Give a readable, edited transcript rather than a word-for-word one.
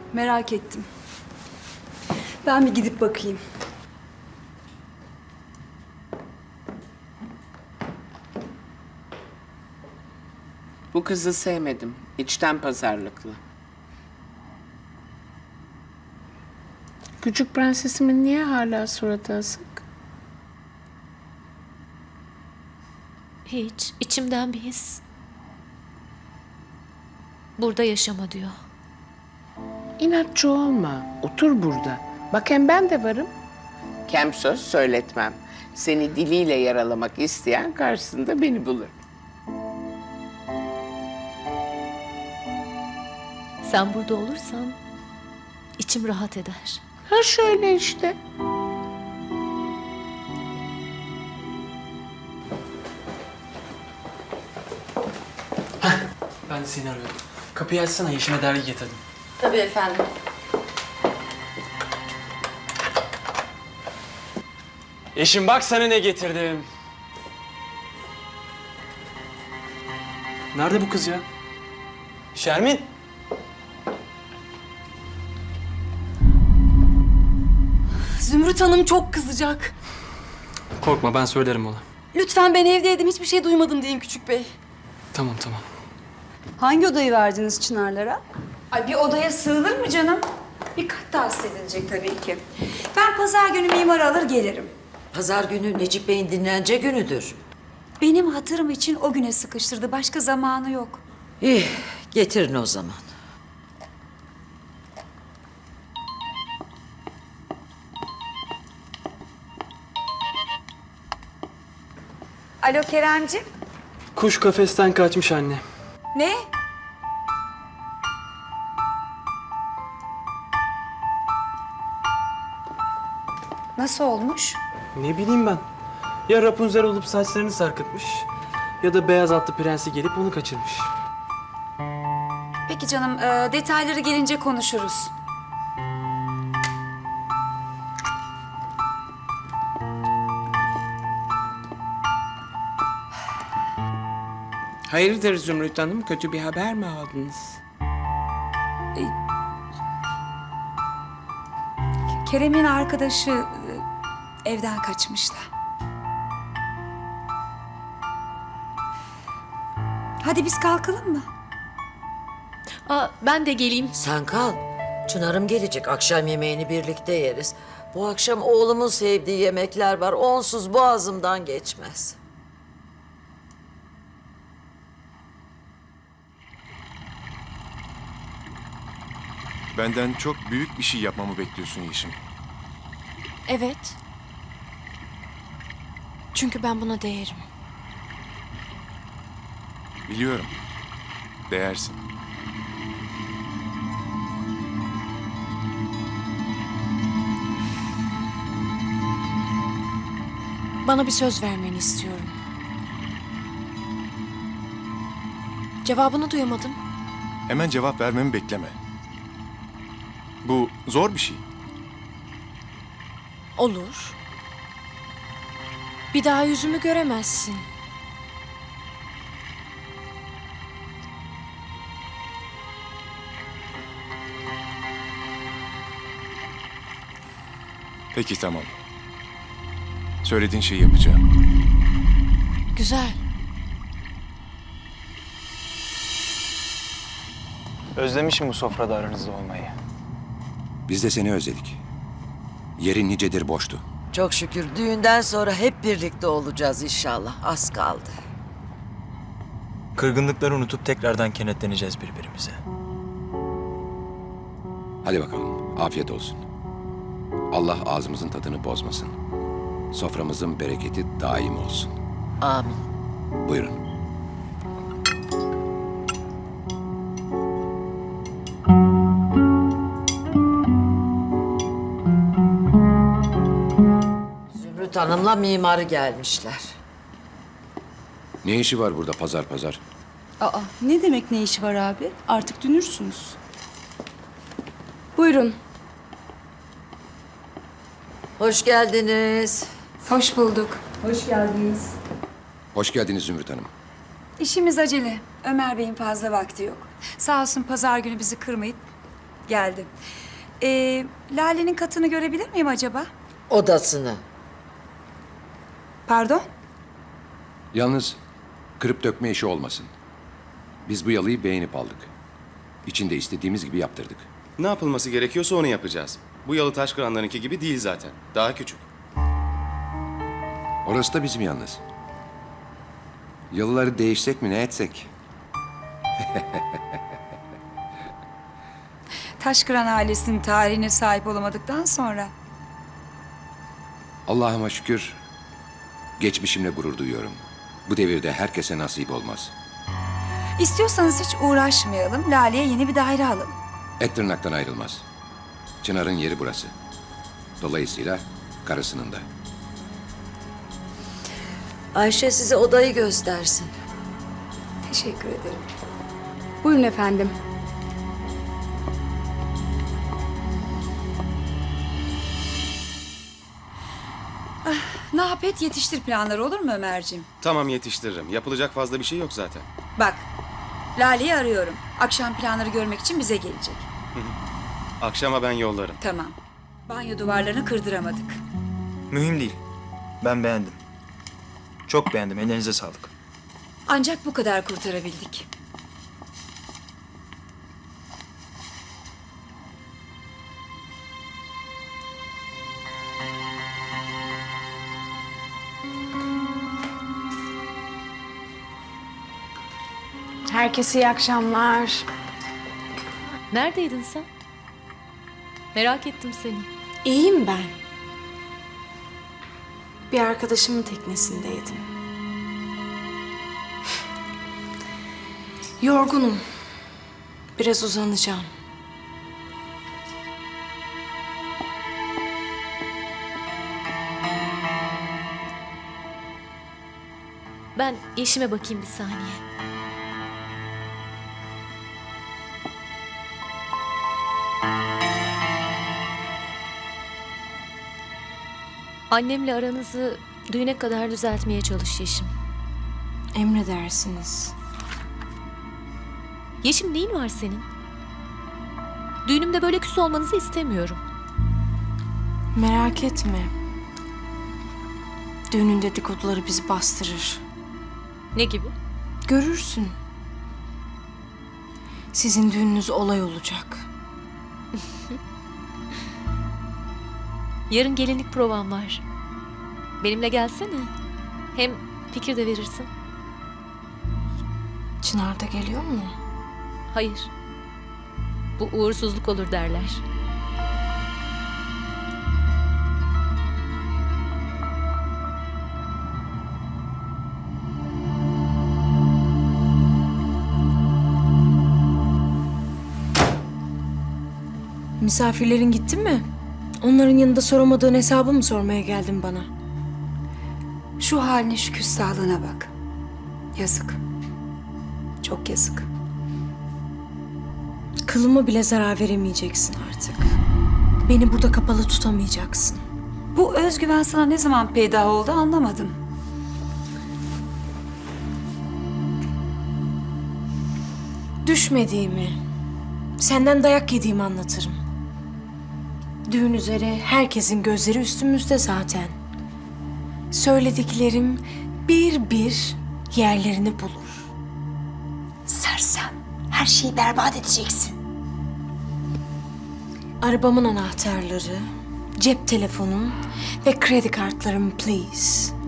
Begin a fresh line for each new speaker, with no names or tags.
Merak ettim. Ben bir gidip bakayım.
Bu kızı sevmedim. İçten pazarlıklı. Küçük prensesimin niye hala suratı asık?
Hiç. İçimden bir his. Burada yaşama diyor.
İnatçı olma. Otur burada. Bak hem ben de varım. Kem söz söyletmem. Seni diliyle yaralamak isteyen karşısında beni bulur.
Sen burada olursan içim rahat eder.
Ha şöyle işte.
Ben de seni arıyorum. Kapıyı açsana, Yeşim'e dergi getirdim.
Tabii efendim.
Yeşim bak sana ne getirdim. Nerede bu kız ya? Şermin!
Zümrüt Hanım çok kızacak.
Korkma, ben söylerim ona.
Lütfen ben evdeydim, hiçbir şey duymadım deyin küçük bey.
Tamam.
Hangi odayı verdiniz Çınarlara? Ay bir odaya sığılır mı canım? Bir kat tahsis edilecek tabii ki. Ben pazar günü mimarı alır gelirim.
Pazar günü Necip Bey'in dinlence günüdür.
Benim hatırım için o güne sıkıştırdı. Başka zamanı yok.
İyi, getirin o zaman.
Alo Keremciğim.
Kuş kafesten kaçmış anne.
Ne? Nasıl olmuş?
Ne bileyim ben. Ya Rapunzel olup saçlarını sarkıtmış ya da beyaz atlı prensi gelip onu kaçırmış.
Peki canım, detayları gelince konuşuruz.
Hayırdır Zümrüt Hanım? Kötü bir haber mi aldınız?
Kerem'in arkadaşı evden kaçmışlar. Hadi biz kalkalım mı?
Ben de geleyim.
Sen kal. Çınar'ım gelecek. Akşam yemeğini birlikte yeriz. Bu akşam oğlumun sevdiği yemekler var. Onsuz boğazımdan geçmez.
Benden çok büyük bir şey yapmamı bekliyorsun Yeşim.
Evet. Çünkü ben buna değerim.
Biliyorum. Değersin.
Bana bir söz vermeni istiyorum. Cevabını duyamadım.
Hemen cevap vermemi bekleme. Bu zor bir şey.
Olur. Bir daha yüzümü göremezsin.
Peki tamam. Söylediğin şeyi yapacağım.
Güzel.
Özlemişim bu sofrada aranızda olmayı.
Biz de seni özledik. Yerin nicedir boştu.
Çok şükür düğünden sonra hep birlikte olacağız inşallah. Az kaldı.
Kırgınlıkları unutup tekrardan kenetleneceğiz birbirimize.
Hadi bakalım, afiyet olsun. Allah ağzımızın tadını bozmasın. Soframızın bereketi daim olsun.
Amin.
Buyurun.
Zümrüt Hanım'la mimarı gelmişler.
Ne işi var burada pazar pazar?
Aa, ne demek ne işi var abi? Artık dünürsünüz.
Buyurun.
Hoş geldiniz.
Hoş bulduk. Hoş geldiniz.
Hoş geldiniz Zümrüt Hanım.
İşimiz acele. Ömer Bey'in fazla vakti yok. Sağ olsun pazar günü bizi kırmayıp geldi. Lale'nin katını görebilir miyim acaba?
Odasını.
Pardon?
Yalnız kırıp dökme işi olmasın. Biz bu yalıyı beğenip aldık. İçinde istediğimiz gibi yaptırdık.
Ne yapılması gerekiyorsa onu yapacağız. Bu yalı Taşkıranlarınki gibi değil zaten. Daha küçük.
Orası da bizim yalnız. Yalıları değişsek mi ne etsek?
Taşkıran ailesinin tarihine sahip olamadıktan sonra.
Allah'ıma şükür geçmişimle gurur duyuyorum. Bu devirde herkese nasip olmaz.
İstiyorsanız hiç uğraşmayalım. Lale'ye yeni bir daire alın.
Et tırnaktan ayrılmaz. Çınar'ın yeri burası. Dolayısıyla karısının da.
Ayşe size odayı göstersin.
Teşekkür ederim.
Buyurun efendim.
Ne yap et yetiştir planları, olur mu Ömerciğim?
Tamam, yetiştiririm. Yapılacak fazla bir şey yok zaten.
Bak, Lale'yi arıyorum. Akşam planları görmek için bize gelecek.
Akşama ben yollarım.
Tamam. Banyo duvarlarını kırdıramadık.
Mühim değil. Ben beğendim. Çok beğendim. Ellerinize sağlık.
Ancak bu kadar kurtarabildik.
Herkese iyi akşamlar.
Neredeydin sen? Merak ettim seni.
İyiyim ben. Bir arkadaşımın teknesindeydim. Yorgunum. Biraz uzanacağım.
Ben Yeşim'e bakayım bir saniye. Annemle aranızı düğüne kadar düzeltmeye çalış Yeşim.
Emredersiniz.
Yeşim neyin var senin? Düğünümde böyle küs olmanızı istemiyorum.
Merak etme. Düğünün dedikoduları bizi bastırır.
Ne gibi?
Görürsün. Sizin düğününüz olay olacak.
Yarın gelinlik provam var. Benimle gelsene. Hem fikir de verirsin.
Çınar da geliyor mu?
Hayır. Bu uğursuzluk olur derler.
Misafirlerin gitti mi? Onların yanında soramadığın hesabı mı sormaya geldin bana?
Şu haline, şu küstahlığına bak. Yazık. Çok yazık.
Kılıma bile zarar veremeyeceksin artık. Beni burada kapalı tutamayacaksın.
Bu özgüven sana ne zaman peydah oldu anlamadım.
Düşmediğimi, senden dayak yediğimi anlatırım. Düğün üzere herkesin gözleri üstümüzde zaten. Söylediklerim bir bir yerlerini bulur.
Sersem. Her şeyi berbat edeceksin.
Arabamın anahtarları, cep telefonum ve kredi kartlarım please.